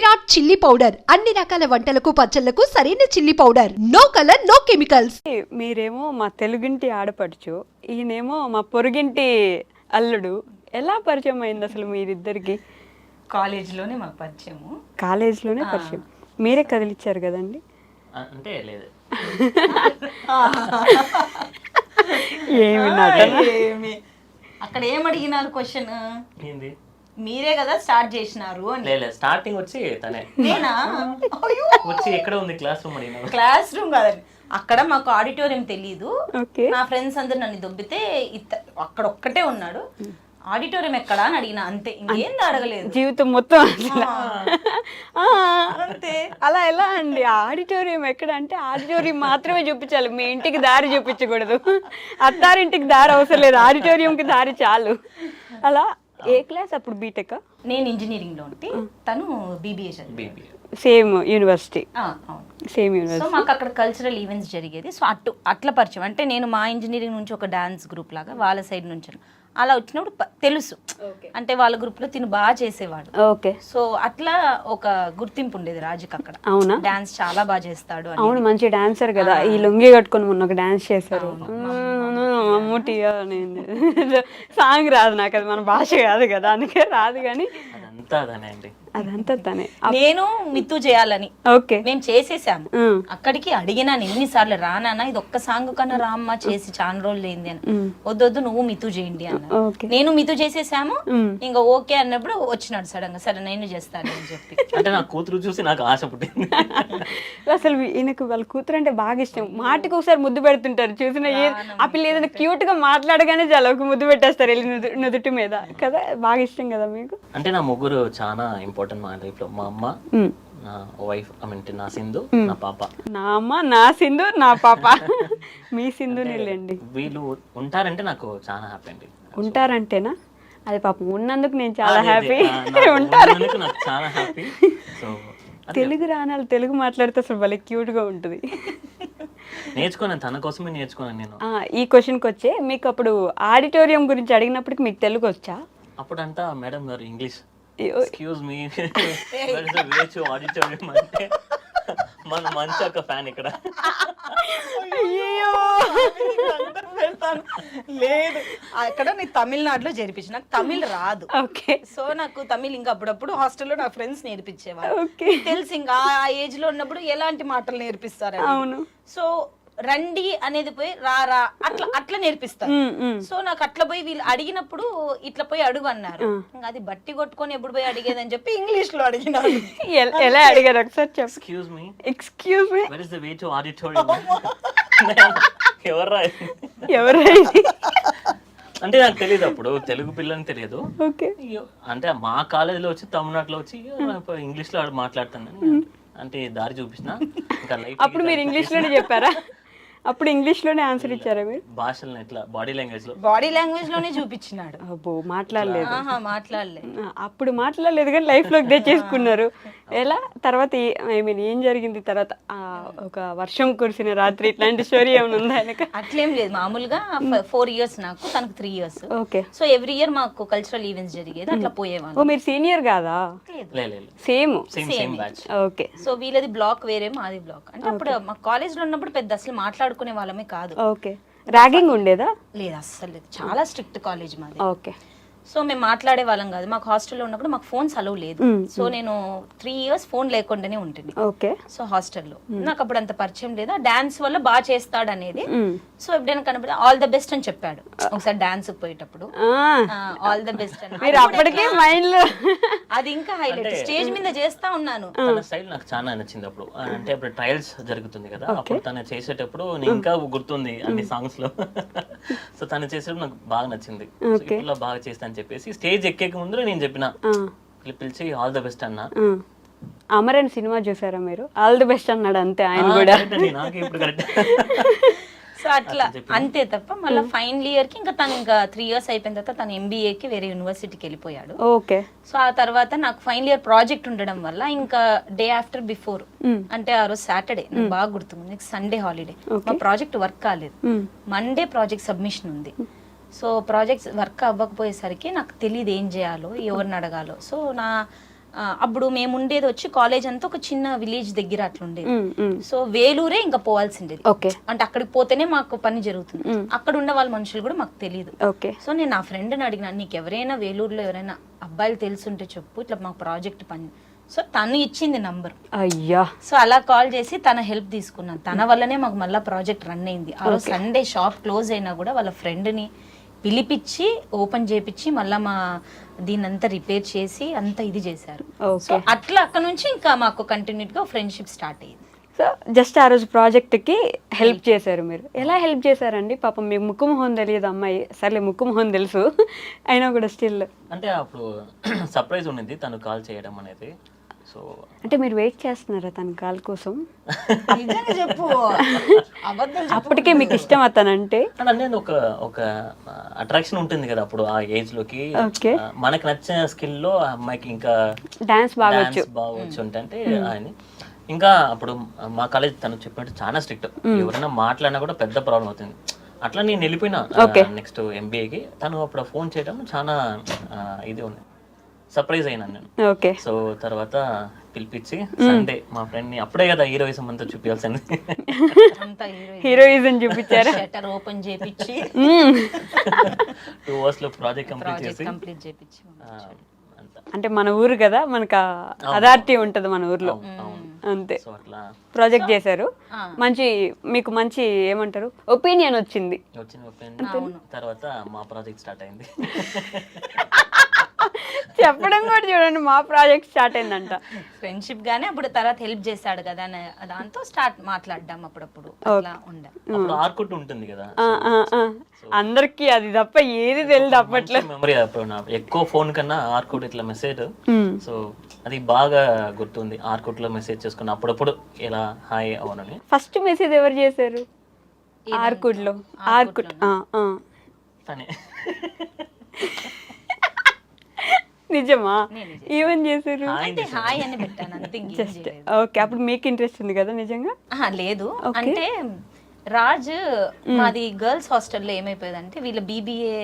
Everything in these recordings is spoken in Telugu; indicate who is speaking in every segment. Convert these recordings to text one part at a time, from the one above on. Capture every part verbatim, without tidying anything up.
Speaker 1: విరాట్ చిల్లీ పౌడర్ అన్ని రకాల వంటలకు పచ్చళ్లకు సరైన chilli powder. No colour no chemicals.
Speaker 2: మీరేమో మా తెలుగింటి ఆడపడుచు, ఈయనేమో మా పొరుగింటి అల్లుడు. ఎలా పరిచయం అయింది అసలు మీరిద్దరికి?
Speaker 3: కాలేజ్లోనే మాకు పరిచయము.
Speaker 2: కాలేజ్లోనే పరిచయం. మీరే కదిలిచ్చారు కదండి?
Speaker 4: అంటే లేదు,
Speaker 2: ఏమి నటన.
Speaker 3: ఏమి అక్కడ ఏం అడిగినారు క్వశ్చన్?
Speaker 4: ఏంది?
Speaker 3: మీరే కదా స్టార్ట్ చేసినారు అని.
Speaker 4: లేదు, స్టార్టింగ్ వచ్చి తనే
Speaker 3: నేనా?
Speaker 4: వచ్చి ఎక్కడ ఉంది క్లాస్ రూమ్ అడిగినా.
Speaker 3: క్లాస్ రూమ్ కాదండి, అక్కడ మాకు ఆడిటోరియం తెలీదు.
Speaker 2: ఓకే.
Speaker 3: నా ఫ్రెండ్స్ అందరు నన్ను దొబ్బితే ఇత్త అక్కడ ఒక్కటే ఉన్నాడు. ఆడిటోరియం ఎక్కడా అని అడిగిన, అంతే, ఇంకేంది అడగలేదు.
Speaker 2: జీవితం మొత్తం అసలు. ఆ,
Speaker 3: అంతే.
Speaker 2: అలా ఎలా అండి? ఆడిటోరియం ఎక్కడ అంటే ఆడిటోరియం మాత్రమే చూపించాలి, మీ ఇంటికి దారి చూపించకూడదు. అత్తారింటికి దారి అవసరం లేదు, ఆడిటోరియంకి దారి చాలు. అలా ఏ క్లాస్ అప్పుడు? బీటెక్?
Speaker 3: నేను ఇంజనీరింగ్ లో ఉంటే తను బీబీఏ చదివి.
Speaker 2: Same university.
Speaker 3: అవును,
Speaker 2: సేమ్
Speaker 3: సో
Speaker 2: యూనివర్సిటీ.
Speaker 3: మాకు అక్కడ కల్చరల్ ఈవెంట్స్ జరిగేది. సో అటు అట్లా పరిచయం. అంటే నేను మా ఇంజనీరింగ్ నుంచి ఒక డాన్స్ గ్రూప్ లాగా, వాళ్ళ సైడ్ నుంచి అలా వచ్చినప్పుడు ప- తెలుసు. అంటే వాళ్ళ గ్రూప్ లో తిను బాగా చేసేవాడు.
Speaker 2: ఓకే.
Speaker 3: సో అట్లా ఒక గుర్తింపు ఉండేది రాజుకి అక్కడ.
Speaker 2: అవునా?
Speaker 3: డాన్స్ చాలా బాగా చేస్తాడు అని.
Speaker 2: అవును, మంచి డాన్సర్ కదా. ఈ లుంగి కట్టుకొని మొన్న ఒక డాన్స్ చేశారు. మమ్మూటి సాంగ్ రాదు నాకు, అది మన భాష కాదు కదా, అందుకే రాదు. కానీ
Speaker 4: అదంతా అదనే అండి.
Speaker 2: అదంతా తనే.
Speaker 3: నేను మిత్తు చేయాలని
Speaker 2: ఓకే.
Speaker 3: మేము చేసేసాము. అక్కడికి అడిగినాను ఎన్నిసార్లు, రానా ఇది ఒక్క సాంగ్ కన్నా రామ్మ చేసి చాలా రోజులు ఏంది అని. వద్దొద్దు నువ్వు మిత్తు చేయండి అన్న.
Speaker 2: ఓకే.
Speaker 3: నేను మిత్తు చేసేసాము. ఇంకా ఓకే అన్నప్పుడు వచ్చినాడు సడన్ గా, సరే నేను చేస్తాను అని చెప్పి.
Speaker 4: అంటే నా కూతురు చూసి నాకు ఆశ పుట్టింది.
Speaker 2: అసలు ఈయనకు వాళ్ళ కూతురు అంటే బాగా ఇష్టం. మాటకి ఒకసారి ముద్దు పెడుతుంటారు, చూసిన ఏ ఆ పిల్ల ఏదైనా క్యూట్ గా మాట్లాడగానే చాలా ఒక ముద్దు పెట్టేస్తారు వెళ్ళి నుదు- నుదుటి మీద కదా. బాగా ఇష్టం కదా మీకు?
Speaker 4: అంటే నా ముగ్గురు చాలా ఇంపార్టెంట్ మా లైఫ్ లో. మా అమ్మ, నా వైఫ్, ఐ మీన్ నా సింధు, నా పాప.
Speaker 2: నా అమ్మ, నా సింధు, నా పాప. మీ సింధు నీళ్ళండి.
Speaker 4: వీళ్ళు ఉంటారంటే నాకు చాలా హ్యాపీ అండి.
Speaker 2: ఉంటారంటేనా? అది పాపం ఉన్నందుకు నేను చాలా
Speaker 4: అదే,
Speaker 2: హ్యాపీ.
Speaker 4: ఆ, నాకు
Speaker 2: ఉంటారు.
Speaker 4: ఉన్నందుకు నాకు చాలా హ్యాపీ. సో
Speaker 2: తెలుగు రానాలు తెలుగు మాట్లాడితే అసలు భలే క్యూట్ గా ఉంటుంది.
Speaker 4: నేర్చుకున్నాను, తన కోసమే నేర్చుకున్నాను నేను.
Speaker 2: ఆ, ఈ క్వశ్చన్కి వచ్చే, మీకు అప్పుడు ఆడిటోరియం గురించి అడిగినప్పటికి మీకు తెలుగు వచ్చా?
Speaker 4: అప్పుడంతా మేడం గారు ఇంగ్లీష్,
Speaker 2: అయ్యో,
Speaker 4: ఎక్స్క్యూజ్ మీ ఆడిటోరియం అంటే మన మంచి ఒక ఫ్యాన్ ఇక్కడ.
Speaker 2: అయ్యో.
Speaker 3: లేదు, అక్కడ నేను తమిళనాడులో జరిపించిన, నాకు తమిళ్ రాదు.
Speaker 2: ఓకే.
Speaker 3: సో నాకు తమిళ్ ఇంకా అప్పుడప్పుడు హాస్టల్లో నా ఫ్రెండ్స్ నేర్పించేవారు.
Speaker 2: ఓకే.
Speaker 3: తెలుసు ఇంకా ఆ ఏజ్ లో ఉన్నప్పుడు ఎలాంటి మాటలు నేర్పిస్తారు.
Speaker 2: అవును.
Speaker 3: సో రండి అనేది పోయి రా రా అట్లా అట్లా నేర్పిస్తారు.
Speaker 2: ఉమ్, ఉమ్.
Speaker 3: సో నాకు అట్లా పోయి వీళ్ళు అడిగినప్పుడు ఇట్లా పోయి అడుగు అన్నారు. ఇంకా అది బట్టి కొట్టుకొని ఎప్పుడు పోయి అడిగేదని చెప్పి ఇంగ్లీష్ లో అడిగినాను.
Speaker 2: ఎల్- ఎలా అడిగారు ఒకసారి చెప్పు.
Speaker 4: Excuse me,
Speaker 2: excuse me,
Speaker 4: where is the way to auditorium? ఎవర్రా?
Speaker 2: ఎవరైంది?
Speaker 4: అంటే నాకు తెలియదు, అప్పుడు తెలుగు పిల్లని తెలియదు.
Speaker 2: ఓకే.
Speaker 4: అయ్యో, అంటే మా కాలేజీలో వచ్చి తమిళనాడులో వచ్చి ఇంగ్లీష్ లో మాట్లాడుతాను అంటే దారి చూపించిన. ఇంకా లైఫ్
Speaker 2: అప్పుడు మీరు ఇంగ్లీష్ లోనే చెప్పారా? అప్పుడు ఇంగ్లీష్ లోనే ఆన్సర్ ఇచ్చారా మీరు?
Speaker 4: భాషలను ఎట్లా బాడీ లాంగ్వేజ్ లో
Speaker 3: బాడీ లాంగ్వేజ్ లోనే చూపించినాడు.
Speaker 2: అబ్బో, మాట్లాడలేదు.
Speaker 3: ఆహా, మాట్లాడలే.
Speaker 2: ఆ, అప్పుడు మాట్లాడలేదు కానీ లైఫ్ లోకి తెచ్చేసుకున్నారు. ఎలా తర్వాత ఐ మీన్ ఏం జరిగింది తర్వాత? ఆ, ఒక వర్షం కురిసిన రాత్రి ఇట్లాంటి స్టోరీ ఏమైనా ఉందా ఆయనక?
Speaker 3: అట్లేం లేదు, మామూలుగా ఫోర్ ఇయర్స్ నాకు, తనకు three years.
Speaker 2: Okay.
Speaker 3: So every year మాకు కల్చరల్ ఈవెంట్స్ జరిగేది, అట్లా పోయేవాళ్ళు.
Speaker 2: ఓ, మీరు సీనియర్ కాదా?
Speaker 4: లేదు,
Speaker 2: same.
Speaker 4: Same same batch.
Speaker 2: Okay.
Speaker 3: So వీళ్ళది బ్లాక్ వేరే, మాది బ్లాక్. అంటే అప్పుడు మా కాలేజ్ లో ఉన్నప్పుడు పెద్ద అసలు మాట్లాడుకునే వాళ్ళమే కాదు.
Speaker 2: ఓకే. ర్యాగింగ్ ఉండేదా?
Speaker 3: లేదు, అస్సలు లేదు, చాలా స్ట్రిక్ట్ కాలేజ్ మాది.
Speaker 2: ఓకే.
Speaker 3: సో మేము మాట్లాడే వాళ్ళం కాదు. మాకు హాస్టల్లో ఉన్నప్పుడు మాకు ఫోన్స్ అలవ్ లేదు. సో నేను త్రీ ఇయర్స్ ఫోన్ లేకుండానే ఉంటుంది.
Speaker 2: ఓకే.
Speaker 3: సో హాస్టల్లో నాకు అప్పుడు అంత పరిచయం లేదా, డాన్స్ వల్ల బాగా చేస్తాడు అనేది. సో ఎప్పుడైనా కనపడి ఆల్ ద బెస్ట్ అని చెప్పాడు ఒకసారి డాన్స్ పోయేటప్పుడు. ఆల్ ద బెస్ట్ అని.
Speaker 2: మీరు అప్పటికే మైండ్ లో
Speaker 3: అది ఇంకా హైలైట్, స్టేజ్ మీద చేస్తా ఉన్నాను.
Speaker 4: తన స్టైల్ నాకు చాలా నచ్చింది అప్పుడు. అంటే అప్పుడు ట్రయల్స్ జరుగుతుంది కదా, అప్పుడు తను చేసేటప్పుడు నేను ఇంకా గుర్తుంది అన్ని సాంగ్స్ లో. సో తను చేసేటప్పుడు నాకు బాగా నచ్చింది. ఇట్లా బాగా చేస్తా అని చెప్పేసి స్టేజ్ ఎక్కే ముందు నేను చెప్పిన, పిలిచి ఆల్ ద బెస్ట్ అన్నా.
Speaker 2: అమరన్ సినిమా చూసారా మీరు? ఆల్ ది బెస్ట్ అన్నాడు అంతే ఆయన కూడా.
Speaker 4: నాకు ఇప్పుడు కరెక్ట్.
Speaker 3: సో అట్లా అంతే తప్ప మళ్ళీ ఫైనల్ ఇయర్ కి ఇంకా తను ఇంకా త్రీ ఇయర్స్ అయిపోయిన తర్వాత తను ఎంబీఏకి వేరే యూనివర్సిటీకి వెళ్ళిపోయాడు.
Speaker 2: ఓకే.
Speaker 3: సో ఆ తర్వాత నాకు ఫైనల్ ఇయర్ ప్రాజెక్ట్ ఉండడం వల్ల ఇంకా డే ఆఫ్టర్ బిఫోర్, అంటే ఆ రోజు సాటర్డే, నాకు బాగా గుర్తుంది, నెక్స్ట్ సండే హాలిడే. మా ప్రాజెక్ట్ వర్క్ కాలేదు, మండే ప్రాజెక్ట్ సబ్మిషన్ ఉంది. సో ప్రాజెక్ట్స్ వర్క్ అవ్వకపోయేసరికి నాకు తెలియదు ఏం చేయాలో, ఎవరిని అడగాలో. సో నా ఆ, అప్పుడు మేము ఉండేది వచ్చి కాలేజ్ అంతా ఒక చిన్న విలేజ్ దగ్గర అట్లా ఉండేది.
Speaker 2: ఉమ్, ఉమ్.
Speaker 3: సో వేలూరే ఇంకా పోవాల్సిండేది.
Speaker 2: ఓకే
Speaker 3: అంటే అక్కడికి పోతేనే మాకు పని జరుగుతుంది. అక్కడ ఉన్న వాళ్ళ మనుషులు కూడా మాకు తెలియదు.
Speaker 2: ఓకే
Speaker 3: సో నేను నా ఫ్రెండ్ని అడిగినా, నీకు ఎవరైనా వేలూరులో ఎవరైనా అబ్బాయిలు తెలుసుంటే చెప్పు, ఇట్లా మాకు ప్రాజెక్ట్ పని. సో తను ఇచ్చింది నంబర్.
Speaker 2: అయ్యా
Speaker 3: సో అలా కాల్ చేసి తన హెల్ప్ తీసుకున్నాను. తన వల్లనే మాకు మళ్ళీ ప్రాజెక్ట్ రన్ అయింది. ఆ రోజు సండే షాప్ క్లోజ్ అయినా కూడా వాళ్ళ ఫ్రెండ్ని పిలిపించి ఓపెన్ చేపించి మళ్ళీ మా దీనంతా రిపేర్ చేసి అంతా ఇది చేశారు. సో అట్లా అక్కడ నుంచి ఇంకా మాకు కంటిన్యూగా ఫ్రెండ్షిప్ స్టార్ట్ అయ్యింది.
Speaker 2: సో జస్ట్ ఆ రోజు ప్రాజెక్ట్కి హెల్ప్ చేశారు మీరు. ఎలా హెల్ప్ చేశారండి? పాపం మీకు ముక్కు మొహం తెలియదు అమ్మాయి, సర్లే ముక్కు మొహం తెలుసు అయినా కూడా స్టిల్
Speaker 4: అంటే అప్పుడు సర్ప్రైజ్ ఉండింది తను కాల్ చేయడం అనేది. సో
Speaker 2: అంటే మీరు వెయిట్ చేస్తున్నారా తన కాల్ కోసం?
Speaker 3: చెప్పు
Speaker 2: అప్పటికే మీకు ఇష్టం అతనంటే?
Speaker 4: అంటే ఒక ఒక అట్రాక్షన్ ఉంటుంది కదా అప్పుడు ఆ ఏజ్ లోకి.
Speaker 2: ఓకే.
Speaker 4: ఆ, మనకు నచ్చిన స్కిల్ లో ఆ అమ్మాయికి ఇంకా
Speaker 2: డాన్స్ బాగా వచ్చు.
Speaker 4: డాన్స్ బాగా వచ్చు అంటే ఆయన ఇంకా అప్పుడు మా కాలేజ్ తను చెప్పినట్టు చాలా స్ట్రిక్ట్. ఎవరైనా మాట్లాడినా కూడా పెద్ద ప్రాబ్లం అవుతుంది. అట్లా నేను వెళ్ళిపోయినా నెక్స్ట్ ఎంబీఏకి. తను అప్పుడు ఫోన్ చేయడం చాలా ఆ, ఇది ఉంది, సర్ప్రైజ్ అయినా నేను.
Speaker 2: ఓకే.
Speaker 4: సో తర్వాత పిలిపించి సండే మా ఫ్రెండ్ ని, అప్పుడే కదా హీరోయిజం అంతా చూపించాల్సింది,
Speaker 3: అంతా
Speaker 2: హీరోయిజం చూపించారు.
Speaker 3: షట్టర్ ఓపెన్ చేపించి
Speaker 4: టూ అవర్స్ లో ప్రాజెక్ట్ కంప్లీట్ చేసి
Speaker 3: కంప్లీట్ చేపించి
Speaker 4: ఆ, అంతా.
Speaker 2: అంటే మన ఊరు కదా, మనకు అథారిటీ ఉంటుంది మన ఊర్లో, అంతే.
Speaker 4: సో అట్లా
Speaker 2: ప్రాజెక్ట్ చేశారు. మంచి మీకు మంచి ఏమంటారు ఒపీనియన్ వచ్చింది.
Speaker 4: వచ్చిన ఒపీనియన్ తర్వాత మా ప్రాజెక్ట్ స్టార్ట్ అయింది.
Speaker 2: చెప్పడం కూడా చూడండి, మా ప్రాజెక్ట్ స్టార్ట్ అయిందంట.
Speaker 3: ఫ్రెండ్షిప్ గానే అప్పుడు తర్వాత హెల్ప్ చేశాడు కదా అని దాంతో స్టార్ట్ మాట్లాడడం అప్పుడప్పుడు అట్లా ఉండే.
Speaker 4: అప్పుడు ఆర్కుట్ ఉంటుంది కదా,
Speaker 2: ఆ, ఆ, ఆ. అందరికి అది తప్ప ఏది తెలియదు అప్పట్లో.
Speaker 4: మెమరీ అప్పుడు నా ఎక్కువ ఫోన్ కన్నా ఆర్కుట్ ఇట్లా మెసేజ్. సో అది బాగా గుర్తుంది. ఆర్కుట్ లో మెసేజ్ చేసుకున్న అప్పుడప్పుడు ఇలా హాయ్ అవునని.
Speaker 2: ఫస్ట్ మెసేజ్ ఎవరు చేశారు ఆర్కుడ్ లో? ఆర్కుడ్
Speaker 4: తనే.
Speaker 2: నిజమా? ఏమని చేశారు?
Speaker 3: అంటే హాయ్ అని పెట్టాను అంతే.
Speaker 2: Just okay. అప్పుడు మీకు ఇంట్రెస్ట్ ఉంది కదా నిజంగా?
Speaker 3: ఆహా, లేదు. అంటే రాజ్ మాది గర్ల్స్ హాస్టల్లో ఏమైపోయేదంటే వీళ్ళ బీబీఏ,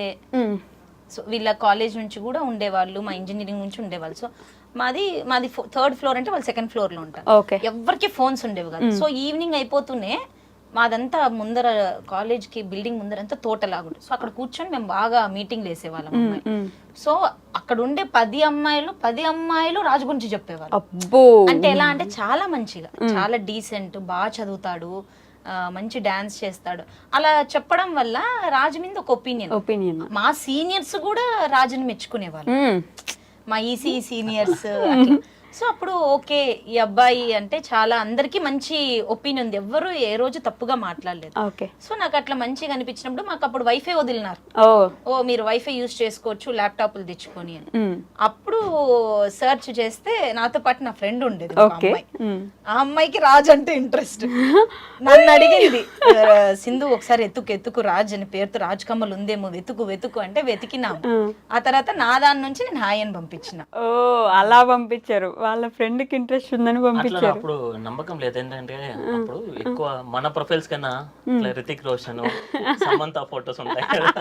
Speaker 3: సో వీళ్ళ కాలేజ్ నుంచి కూడా ఉండేవాళ్ళు, మా ఇంజనీరింగ్ నుంచి ఉండేవాళ్ళు. సో మాది మాది థర్డ్ ఫ్లోర్ అంటే వాళ్ళు సెకండ్ ఫ్లోర్ లో ఉంటారు.
Speaker 2: ఓకే.
Speaker 3: ఎవరికి ఫోన్స్ ఉండేవి కదా. సో ఈవినింగ్ అయిపోతూనే మాదంతా ముందర కాలేజ్ కి బిల్డింగ్ ముందర అంతా తోటలాగుంటుంది. సో అక్కడ కూర్చొని మేము బాగా మీటింగ్లు వేసేవాళ్ళం అమ్మాయి. సో అక్కడ ఉండే పది అమ్మాయిలు పది అమ్మాయిలు రాజు గురించి చెప్పేవాళ్ళు.
Speaker 2: అబ్బో.
Speaker 3: అంటే ఎలా అంటే చాలా మంచిగా, చాలా డీసెంట్, బాగా చదువుతాడు, మంచి డాన్స్ చేస్తాడు. అలా చెప్పడం వల్ల రాజు మీద ఒక ఒపీనియన్
Speaker 2: ఒపీనియన్
Speaker 3: మా సీనియర్స్ కూడా రాజుని మెచ్చుకునేవాళ్ళు, మా ఈసీ సీనియర్స్. సో అప్పుడు ఓకే ఈ అబ్బాయి అంటే చాలా అందరికి మంచి ఒపీనియన్ ఉంది, ఎవ్వరు ఏ రోజు తప్పుగా మాట్లాడలేదు.
Speaker 2: ఓకే.
Speaker 3: సో నాకు అట్లా మంచిగా అనిపించినప్పుడు మాకు అప్పుడు వైఫై వదిలినారు.
Speaker 2: ఓ
Speaker 3: ఓ మీరు వైఫై యూజ్ చేసుకోవచ్చు ల్యాప్టాప్లు తెచ్చుకొని అని. అప్పుడు సర్చ్ చేస్తే నాతో పాటు నా ఫ్రెండ్ ఉండేది ఒక అమ్మాయి. ఆ అమ్మాయికి రాజ్ అంటే ఇంట్రెస్ట్. నన్ను అడిగింది, సింధు ఒకసారి ఎత్తుకు ఎత్తుకు రాజ్ అని పేరుతో రాజ్ కమ్మలు ఉందేమో వెతుకు వెతుకు అంటే వెతికినాము. ఆ తర్వాత నా దాని నుంచి నేను హాయ్ అని పంపించిన.
Speaker 2: ఓ అలా పంపించారు, వాళ్ళ ఫ్రెండ్ కి ఇంట్రెస్ట్ ఉందని
Speaker 4: అట్లా
Speaker 2: పంపించారు.
Speaker 4: అప్పుడు నమ్మకం లేదు. ఏంటంటే అప్పుడు ఎక్కువ మన ప్రొఫైల్స్ కన్నా ఇట్లా రితిక్ రోషన్, సమంత ఫోటోస్ ఉంటాయి కదా.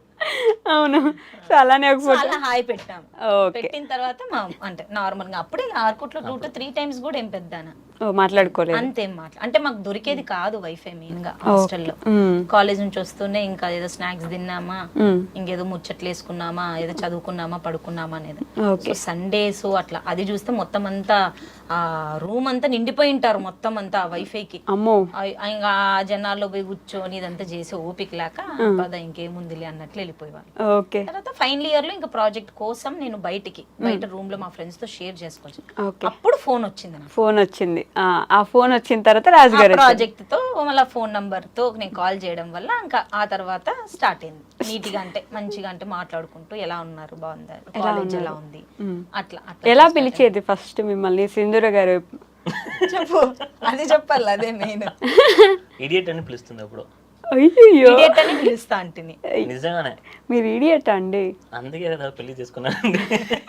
Speaker 2: అవును. సో అలానే ఒక ఫోటో
Speaker 3: అలా హాయ్ పెట్టాము.
Speaker 2: ఓకే.
Speaker 3: పెట్టిన తర్వాత మా అంటే నార్మల్ గా అప్పుడే ఆర్కుట్ లో టూ టు త్రీ టైమ్స్ కూడా ఏం పెద్దానా
Speaker 2: ఓ మాట్లాడుకోలేదు.
Speaker 3: అంతేం మాట్లా అంటే మాకు దొరికేది కాదు వైఫై మెయిన్ గా హాస్టల్లో. కాలేజ్ నుంచి వస్తూనే ఇంకా ఏదో స్నాక్స్ తిన్నామా, ఇంకేదో ముచ్చట్లు వేసుకున్నామా, ఏదో చదువుకున్నామా, పడుకున్నామా అనేది. సో సండేస్ అట్లా అది చూస్తే మొత్తం అంతా ఆ రూమ్ అంతా నిండిపోయి ఉంటారు మొత్తం అంతా వైఫైకి.
Speaker 2: అమ్మో.
Speaker 3: ఇంకా జనాల్లో పోయి కూర్చొని ఇదంతా చేసి ఓపిక లేక పద ఇంకేముందిలే అన్నట్లు వెళ్ళిపోయేవాళ్ళు.
Speaker 2: ఓకే.
Speaker 3: తర్వాత ఫైనల్ ఇయర్ లో ఇంకా ప్రాజెక్ట్ కోసం నేను బయటికి బయట రూమ్ లో మా ఫ్రెండ్స్ తో షేర్ చేసుకోవచ్చు.
Speaker 2: ఓకే.
Speaker 3: అప్పుడు ఫోన్ వచ్చింది నాకు.
Speaker 2: ఫోన్ వచ్చింది. ఆ ఫోన్ వచ్చిన తర్వాత రాజు గారు
Speaker 3: ప్రాజెక్ట్ తో మళ్ళీ ఫోన్ నంబర్ తో నేను కాల్ చేయడం వల్ల ఇంకా ఆ తర్వాత స్టార్ట్ అయింది నీట్ గా, అంటే మంచిగా అంటే మాట్లాడుకుంటూ ఎలా ఉన్నారు, బాగుంది, కాలేజ్ ఎలా ఉంది, అట్లా అట్లా.
Speaker 2: ఎలా పిలిచేది ఫస్ట్ మిమ్మల్ని సింధూర గారు?
Speaker 3: చెప్పు, అది చెప్పాలి, అదే మెయిన్.
Speaker 4: ఇడియట్ అని పిలుస్తుంది అప్పుడు.
Speaker 2: అయ్యో
Speaker 3: అని పిలుస్తా అంటిని.
Speaker 4: నిజంగానే
Speaker 2: మీరు ఇడియట్ అండి?
Speaker 4: అందుకే కదా పెళ్లి చేసుకున్నానండి.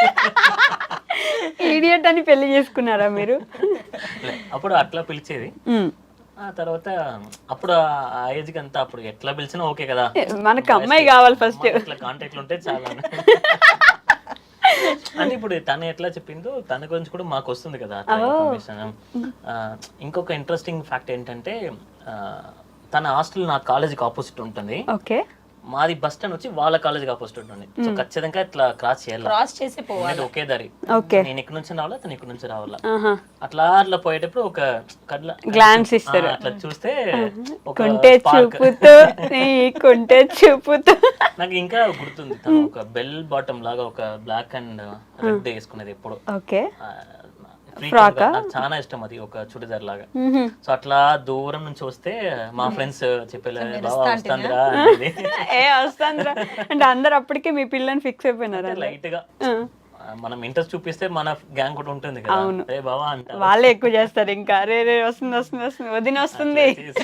Speaker 2: ఇడియట్ అని పెళ్లి చేసుకున్నారా మీరు?
Speaker 4: అప్పుడు అట్లా పిలిచేది. ఆ తర్వాత అప్పుడు ఆ ఏజ్ కి అంతా అప్పుడు ఎట్లా పిలిచినా ఓకే కదా,
Speaker 2: మనకు అమ్మాయి కావాలి ఫస్ట్.
Speaker 4: ఇట్లా కాంటాక్ట్లు ఉంటే చాలా. అంటే ఇప్పుడు తను ఎట్లా చెప్పిందో తన గురించి కూడా మాకు వస్తుంది కదా అట్లా ఇన్ఫర్మేషన్. ఇంకొక ఇంట్రెస్టింగ్ ఫ్యాక్ట్ ఏంటంటే ఆ, తన హాస్టల్ నా కాలేజీకి ఆపోజిట్ ఉంటుంది.
Speaker 2: ఓకే.
Speaker 4: మాది బస్ స్టాండ్ వచ్చి వాళ్ళ కాలేజీకి ఆపోజిట్ ఉంటుంది. సో ఖచ్చితంగా ఇట్లా క్రాస్ చేయాలి,
Speaker 3: క్రాస్ చేసి పోవాలి.
Speaker 4: ఎందుకంటే ఒకే దారి.
Speaker 2: ఓకే.
Speaker 4: నేను ఇక్కడ నుంచి రావాలా, తను ఇక్కడ నుంచి రావాలా.
Speaker 2: ఆహా.
Speaker 4: అట్లా అట్లా పోయేటప్పుడు ఒక కడ్ల
Speaker 2: గ్లాన్స్ ఇస్తారు.
Speaker 4: ఆ, అట్లా చూస్తే ఒక
Speaker 2: కొంటే
Speaker 4: spark.
Speaker 2: చూపుతూ నీ కొంటే చూపుతూ.
Speaker 4: నాకు ఇంకా గుర్తుంది, తను ఒక బెల్ బాటమ్ లాగా ఒక బ్లాక్ అండ్ రెడ్ వేసుకునేది ఎప్పుడు.
Speaker 2: ఓకే.
Speaker 4: ఆ, frequent గా నాకు చాలా ఇష్టం అది, ఒక చుడిదార్ లాగా. సో అట్లా దూరం నుంచి వస్తే మా ఫ్రెండ్స్ చెప్పేలే బాగా వస్తుందిరా అనేది.
Speaker 2: ఏ వస్తాంద్రా అంటే అందరు అప్పటికే మీ పిల్లని ఫిక్స్ అయిపోయినారా?
Speaker 4: లైట్ గా ఆ, మనం ఇంట్రెస్ట్ చూపిస్తే మన గ్యాంగ్ కూడా ఉంటుంది కదా, ఏ బావా అంట,
Speaker 2: వాళ్ళే ఎక్కువ చేస్తారు ఇంకా. రే రే వస్తుంది వస్తుంది వస్తుంది వదిన వస్తుంది.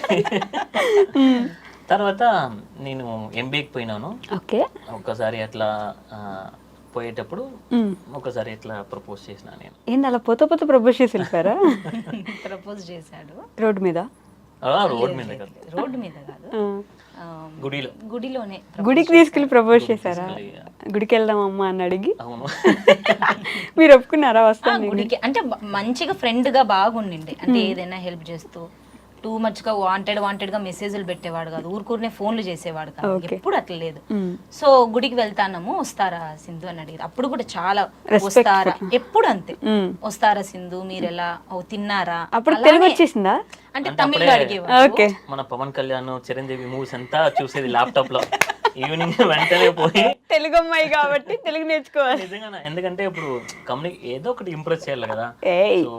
Speaker 4: తర్వాత నేను ఎంబీఏకి పోయినాను.
Speaker 2: ఓకే.
Speaker 4: ఒక్కసారి అట్లా ఆ, పోయేటప్పుడు ఒకసారి ఇట్లా ప్రపోజ్ చేసిన నేను.
Speaker 2: ఏంది అలా పోత పోత ప్రపోజ్ చేసి వెళ్ళిపోయారా?
Speaker 3: ప్రపోజ్ చేశాడు
Speaker 2: రోడ్ మీద?
Speaker 4: రోడ్ మీద కదా,
Speaker 3: రోడ్డు మీద కాదు,
Speaker 2: ఆ.
Speaker 4: గుడిలో.
Speaker 3: గుడిలోనే.
Speaker 2: గుడికి తీసుకెళ్లి ప్రపోజ్ చేశారా? గుడికి వెళ్దాం అమ్మా అని అడిగి
Speaker 4: అవును.
Speaker 2: మీరు ఒప్పుకున్నారా? వస్తాను.
Speaker 3: గుడికి అంటే బ- మంచిగా ఫ్రెండ్ గా బాగుండిండి, అంటే ఏదైనా హెల్ప్ చేస్తూ టూ మచ్ గా వాంటెడ్ వాంటెడ్ గా మెసేజ్లు పెట్టేవాడు కాదు, ఊరుకూరినే ఫోన్లు చేసేవాడు కాదు, ఎప్పుడు అట్లా లేదు. సో గుడికి వెళ్తానము, వస్తారా సింధు అని అడిగారు. అప్పుడు కూడా చాలా వస్తారా, ఎప్పుడు అంతే, వస్తారా సింధు మీరు ఎలా, ఓ తిన్నారా,
Speaker 2: అప్పుడు తెలుగు వచ్చేసిందా?
Speaker 3: అంటే తమిళ్లో అడిగేవాడు.
Speaker 2: ఓకే.
Speaker 4: మన పవన్ కళ్యాణ్ చిరంజీవి మూవీస్ అంతా చూసేది ల్యాప్టాప్ లో. ఈవినింగ్ వెంటనే పోయి,
Speaker 2: తెలుగు అమ్మాయి కాబట్టి తెలుగు నేర్చుకోవాలి.
Speaker 4: నిజంగా, ఎందుకంటే ఇప్పుడు కమ్యూని ఏదో ఒకటి ఇంప్రెస్ చేయాలి కదా.
Speaker 2: ఏయ్.
Speaker 4: So,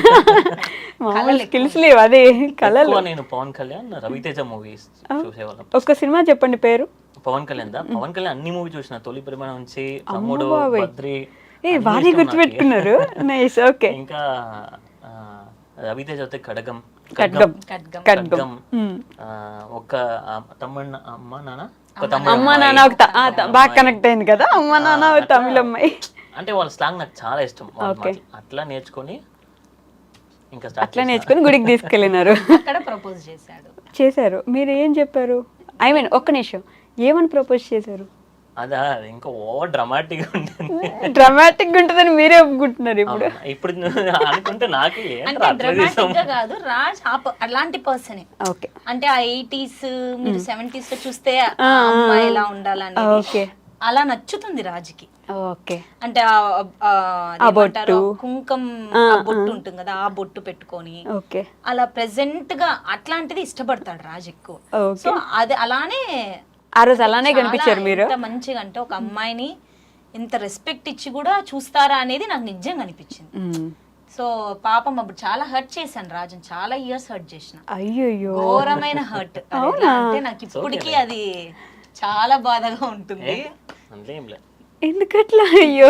Speaker 2: మామూలు స్కిల్స్ లేవు అదే కళలు.
Speaker 4: ఎక్కువ నేను పవన్ కళ్యాణ్ రవితేజ మూవీస్ చూసేవాళ్ళం.
Speaker 2: ఒక్క సినిమా చెప్పండి పేరు.
Speaker 4: పవన్ కళ్యాణ్ దా పవన్ కళ్యాణ్ అన్ని మూవీ చూసిన, తొలి ప్రేమ నుంచి తమ్ముడు, బద్రి,
Speaker 2: ఏ
Speaker 4: అన్ని
Speaker 2: బాగా
Speaker 4: ఇష్టం
Speaker 2: గుర్తుపెట్టుకున్నారు. నైస్. ఓకే.
Speaker 4: నాకు. ఇంకా ఆ, రవితేజ అయితే ఖడ్గం,
Speaker 2: ఖడ్గం.
Speaker 3: ఖడ్గం.
Speaker 2: ఖడ్గం.
Speaker 4: ఆ, ఒక ఆ, తమ్ముడు అమ్మ నాన్న, ఒక తమ్ముడు
Speaker 2: అమ్మ
Speaker 4: అమ్మాయి.
Speaker 2: నాన్న ఒక త- ఆ, త- బాగా కనెక్ట్ అయింది కదా. అమ్మ నాన్న ఒక తమిళ అమ్మాయి.
Speaker 4: అంటే వాళ్ళ స్లాంగ్ నాకు చాలా ఇష్టం. వాళ్ళ మాటలు. అట్లా నేర్చుకొని ఇంకా start
Speaker 2: అట్లా నేర్చుకుని గుడికి తీసుకెళ్ళినారు.
Speaker 3: అక్కడ ప్రపోజ్ చేశాడు.
Speaker 2: చేశారు. మీరు ఏం చెప్పారు? ఐ మీన్ ఒక్క నిమిషం, ఏమని ప్రపోజ్ చేశారు?
Speaker 4: అదా ఇంకా ఓవర్ డ్రామాటిక్ గా ఉంటుంది.
Speaker 2: డ్రామాటిక్ గా ఉంటుందని మీరే ఒప్పుకుంటున్నారు ఇప్పుడు.
Speaker 4: అవునా? ఇప్పుడు అనుకుంటే నాకే ఏంట్రా
Speaker 3: అంటే
Speaker 4: అట్లా చేసావు?
Speaker 3: డ్రామాటిక్ గా కాదు, రాజ్ ఆ ప- అలాంటి పర్సనే.
Speaker 2: ఓకే.
Speaker 3: అంటే ఆ ఎయిటీస్ మీరు సెవెంటీస్ లో చూస్తే ఆ అమ్మాయి ఎలా ఉండాలని
Speaker 2: ఓకే.
Speaker 3: అలా నచ్చుతుంది రాజుకి.
Speaker 2: ఓకే.
Speaker 3: అంటే ఆ- ఆ అదేమంటారు, కుంకం ఆ బొట్టు ఉంటుంది కదా, ఆ బొట్టు పెట్టుకొని
Speaker 2: ఓకే.
Speaker 3: అలా ప్రెసెంట్ గా అట్లాంటిది ఇష్టపడతాడు రాజు ఎక్కువ.
Speaker 2: ఓకే.
Speaker 3: సో అది అలానే
Speaker 2: ఆ రోజు అలానే
Speaker 3: చాలా
Speaker 2: కనిపించారు మీరు.
Speaker 3: ఎంత మంచిగా అంటే ఒక అమ్మాయిని ఇంత రెస్పెక్ట్ ఇచ్చి కూడా చూస్తారా అనేది నాకు నిజంగా అనిపించింది.
Speaker 2: మ్మ్.
Speaker 3: సో పాపం అప్పుడు చాలా హర్ట్ చేశాను రాజుని, చాలా ఇయర్స్ హర్ట్ చేసిన,
Speaker 2: అయ్యయ్యో.
Speaker 3: ఘోరమైన హర్ట్. అంటే నాకు ఇప్పటికీ అది చాలా బాధగా ఉంటుంది.
Speaker 4: అంతేం లే.
Speaker 2: ఎందుకట్లా? అయ్యో.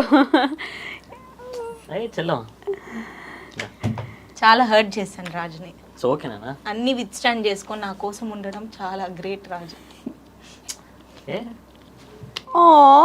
Speaker 4: అయ్యి చెల్లం.
Speaker 3: చాలా హర్ట్ చేశాను రాజుని.
Speaker 4: సో ఓకేనా?
Speaker 3: అన్ని విత్ స్టాండ్ చేసుకొని నా కోసం ఉండడం చాలా గ్రేట్ రాజు.
Speaker 4: ఏ
Speaker 2: ఓ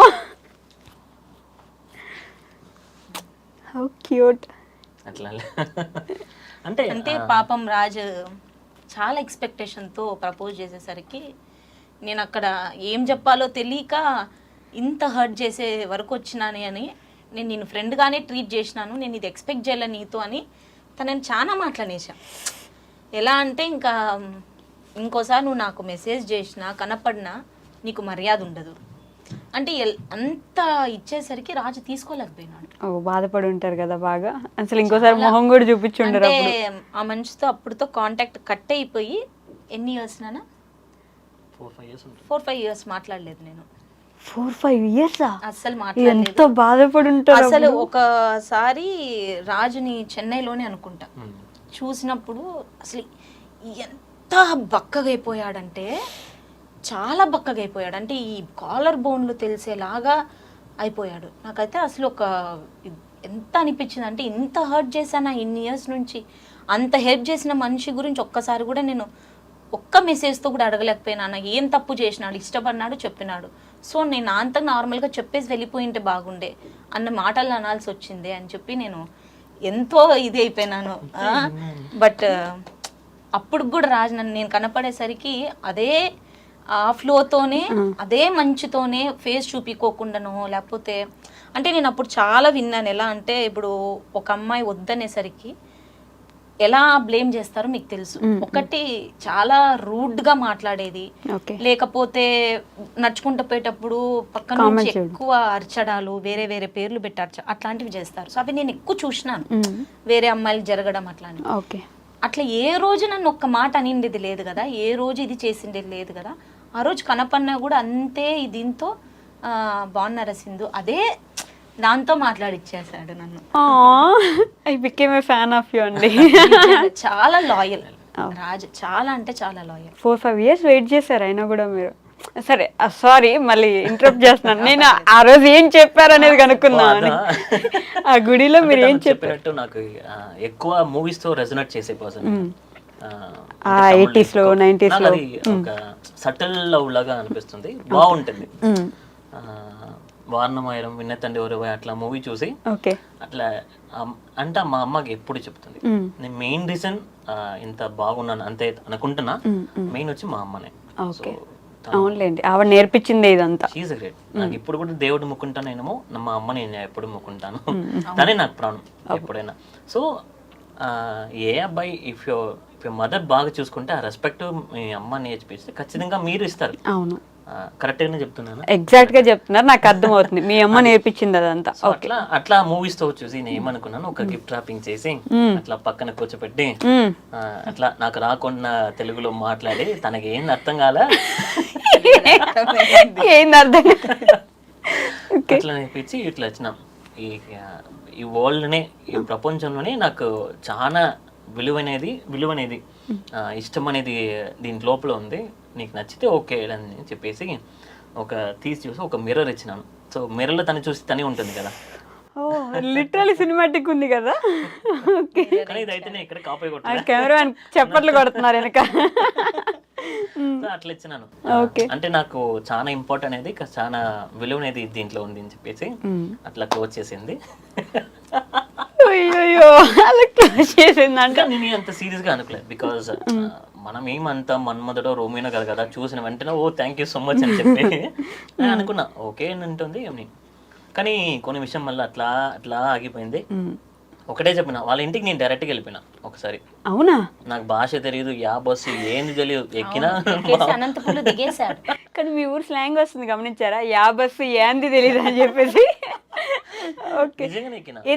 Speaker 2: హౌ క్యూట్.
Speaker 4: అట్లా లే. అంటే
Speaker 3: అంటే పాపం రాజు చాలా ఎక్స్పెక్టేషన్తో ప్రపోజ్ చేసేసరికి నేను అక్కడ ఏం చెప్పాలో తెలియక ఇంత హర్ట్ చేసే వరకు వచ్చినాని అని, నేను నేను ఫ్రెండ్గానే ట్రీట్ చేసినాను, నేను ఇది ఎక్స్పెక్ట్ చేయలే నీతో అని తనని చాలా మాట్లాడేశాను. ఎలా అంటే ఇంకా ఇంకోసారి నువ్వు నాకు మెసేజ్ చేసినా కనపడినా నీకు మర్యాద ఉండదు అంటే ఎల్- అంత ఇచ్చేసరికి రాజు తీసుకోలేకపోయినాడు.
Speaker 2: ఓ బాధపడి ఉంటారు కదా బాగా. అసలు ఇంకోసారి మొహం కూడా చూపించి ఉండరు
Speaker 3: అంటే
Speaker 2: అప్పుడు.
Speaker 3: ఆ మనిషితో అప్పుడుతో కాంటాక్ట్ కట్ అయిపోయి ఎన్ని ఇయర్స్ నానా
Speaker 4: ఫోర్ ఫైవ్ ఇయర్స్ ఉంటుంది.
Speaker 3: ఫోర్ ఫైవ్ ఇయర్స్ మాట్లాడలేదు నేను
Speaker 2: ఫోర్ ఫైవ్ ఇయర్సా?
Speaker 3: అస్సలు
Speaker 2: ఎంత
Speaker 3: మాట్లాడలేదు.
Speaker 2: బాధపడి ఉంటారు
Speaker 3: అసలు
Speaker 2: అప్పుడు.
Speaker 3: ఒకసారి రాజుని చెన్నైలోనే అనుకుంటా
Speaker 4: మ్మ్.
Speaker 3: చూసినప్పుడు అసలు ఎంత బక్కగా అయిపోయాడంటే చాలా బక్కగా అయిపోయాడు. అంటే ఈ కాలర్ బోన్లు తెలిసేలాగా అయిపోయాడు. నాకైతే అసలు ఒక ఎంత అనిపించింది అంటే ఇంత హర్ట్ చేశానా ఇన్ని ఇయర్స్ నుంచి, అంత హెల్ప్ చేసిన మనిషి గురించి ఒక్కసారి కూడా నేను ఒక్క మెసేజ్తో కూడా అడగలేకపోయినా. ఏం తప్పు చేసినాడు, ఇష్టపడినాడు, చెప్పినాడు. సో నేను అంత నార్మల్గా చెప్పేసి వెళ్ళిపోయింటే బాగుండే అన్న మాటలు అనాల్సి వచ్చింది అని చెప్పి నేను ఎంతో ఇది అయిపోయినాను. బట్ అప్పుడు కూడా రాజు నన్ను నేను కనపడేసరికి అదే ఆ ఫ్లోతోనే అదే మంచుతోనే ఫేస్ చూపించుకోకుండానో లేకపోతే అంటే నేను అప్పుడు చాలా విన్నాను. ఎలా అంటే ఇప్పుడు ఒక అమ్మాయి వద్దనేసరికి ఎలా బ్లేమ్ చేస్తారో మీకు తెలుసు. ఒకటి చాలా రూడ్ గా మాట్లాడేది,
Speaker 2: ఓకే
Speaker 3: లేకపోతే నడుచుకుంటూ పోయేటప్పుడు పక్కన నుంచి ఎక్కువ అరచడాలు, వేరే వేరే పేర్లు పెట్టి అరచ అట్లాంటివి చేస్తారు. సో అవి నేను ఎక్కువ చూసినాను వేరే అమ్మాయిలు జరగడం అట్లాంటివి.
Speaker 2: ఓకే
Speaker 3: అట్లా ఏ రోజు నన్ను ఒక్క మాట అనిండేది లేదు కదా, ఏ రోజు ఇది చేసిండేది లేదు కదా. ఆ రోజు కనపన్నా కూడా అంతే దీంతో బాగున్నారా సింధు అదే దాంతో మాట్లాడిచ్చేసాడు నన్ను.
Speaker 2: I became a fan of you అండి.
Speaker 3: చాలా లాయల్ రాజు, చాలా అంటే చాలా loyal.
Speaker 2: Four five years wait చేశారు అయినా కూడా మీరు. సరే సారీ మళ్ళీ ఇంటరప్ట్ చేస్తున్నాను. నేను ఆ రోజు ఏం చెప్పారు అనేది కనుక్కుందామని. ఆ గుడిలో మీరు ఏం చెప్పారు?
Speaker 4: నాకు ఎక్కువ మూవీస్ తో రెజొనేట్ చేసే పర్సన్.
Speaker 2: ఎయిటీస్ లో నైన్టీస్ లో
Speaker 4: ఒక సటిల్ లవ్ లాగా అనిపిస్తుంది, బాగుంటుంది. వారణమాయరం విన్నతండి ఎవరు అట్లా మూవీ చూసి
Speaker 2: ఓకే
Speaker 4: అట్లా అంటే మా అమ్మకి ఎప్పుడు చెప్తుంది. నేను మెయిన్ రీజన్ ఇంత బాగున్నాను అంతే అనుకుంటున్నా, మెయిన్ వచ్చి మా అమ్మనే.
Speaker 2: ఓకే అవునులేండి, ఆవిడ నేర్పించింది ఇదంతా.
Speaker 4: She great. నాకు ఇప్పుడు కూడా దేవుడు ముక్కుంటానేమో, మా అమ్మ నేను ఎప్పుడు ముక్కుంటాను, తనే నాకు ప్రాణం ఎప్పుడైనా. సో ఏ అబ్బాయి ఇఫ్ యో ఇఫ్ యో మదర్ బాగా చూసుకుంటే ఆ రెస్పెక్ట్ మీ అమ్మ నేర్పిస్తే ఖచ్చితంగా మీరు ఇస్తారు.
Speaker 2: అవును
Speaker 4: కరెక్ట్ గానే చెప్తున్నాను,
Speaker 2: ఎగ్జాక్ట్ గా చెప్తున్నారు, నాకు అర్థం అవుతుంది. మీ అమ్మ నేర్పించింది అదంతా.
Speaker 4: అట్లా అట్లా మూవీస్ తో చూసి నేను ఏమనుకున్నాను, ఒక గిఫ్ట్ ర్యాపింగ్ చేసి అట్లా పక్కన కూర్చోపెట్టి అట్లా నాకు రాకుండా తెలుగులో మాట్లాడి తనకి ఏం అర్థం కాలే
Speaker 2: ఏంది అర్థం
Speaker 4: అట్లా నేర్పించి ఇట్లా వచ్చినాం. ఈ ఈ వరల్డ్నే ఈ ప్రపంచంలోనే నాకు చాలా విలువనేది విలువనేది ఇష్టం అనేది దీని లోపల ఉంది, నీకు నచ్చితే ఓకే అని చెప్పేసి ఒక తీసి చూసి ఒక మిర్రర్ ఇచ్చినాను. సో మిర్రర్లో తను చూసి తనే ఉంటుంది కదా.
Speaker 2: ఓ లిటరల్లీ సినిమాటిక్ ఉంది కదా. ఓకే
Speaker 4: కానీ ఇదైతే ఇక్కడ కాపీ కొట్టాను,
Speaker 2: కెమెరా చప్పట్లు కొడుతున్నారు వెనక.
Speaker 4: అట్లా ఇచ్చినాను. అంటే నాకు చాలా ఇంపార్టెంట్ అనేది చాలా విలువ అనేది దీంట్లో ఉంది అని చెప్పేసి అట్లా క్లోజ్ చేసింది.
Speaker 2: అయ్యో అలా క్లోజ్ చేసింది అంటే
Speaker 4: నేను అంత సీరియస్ గా అనుకోలేదు. బికాస్ మనం ఏమంతా మన్మధుడో రోమినో కదా కదా చూసిన వెంటనే oh thank you so much అని చెప్పి నేను అనుకున్నా ఓకే అని ఉంటుంది అని. కానీ కొన్ని విషయం మళ్ళీ అట్లా అట్లా ఆగిపోయింది. ఒకటే చెప్పిన వాళ్ళ ఇంటికి నేను డైరెక్ట్ గా వెళ్ళిపోయినా ఒకసారి.
Speaker 2: అవునా?
Speaker 4: నాకు భాష తెలియదు, యా బస్సు ఏంది తెలియదు, ఎక్కినా
Speaker 3: అనంతపురం దిగేశాడు.
Speaker 2: కానీ మీ ఊరు స్లాంగ్ వస్తుంది గమనించారా, యా బస్సు ఏంది తెలియదు అని చెప్పేసి. ఓకే
Speaker 4: నిజంగానే ఎక్కినా.